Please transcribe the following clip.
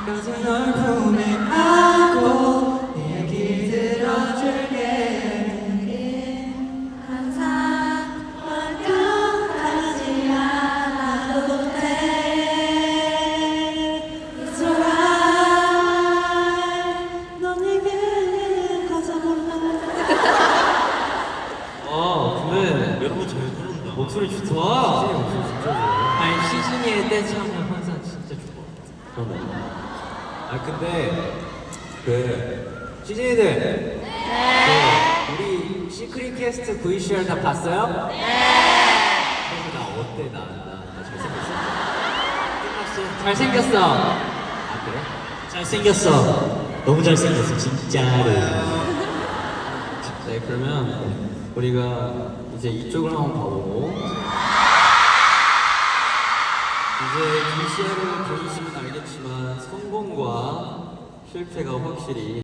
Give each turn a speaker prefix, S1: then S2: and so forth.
S1: 가서 널 품에 안고 네 얘기 들어줄게.
S2: 항상 완벽하지 않아도 돼. It's alright. 넌 내게 가사 몰라.
S1: 근데
S3: 여러분 잘 부른다.
S1: 목소리 좋다. 시즌이 목소리 진짜 좋아. 아니 시즌이의 댄스 하면 항상 진짜 좋아. 그러네. 근데 그 시즌이들 우리 시크릿 캐스트 VCR 다 봤어요? 네. 그래서 나 어때? 나 잘생겼어? 끝났어. 잘생겼어. 그래?
S3: 잘생겼어. 너무 잘생겼어 진짜로.
S1: 네, 그러면 우리가 이제 이쪽을 한번 봐보고 이제 VCR을 보시면 알겠지만 성공과 실패가 확실히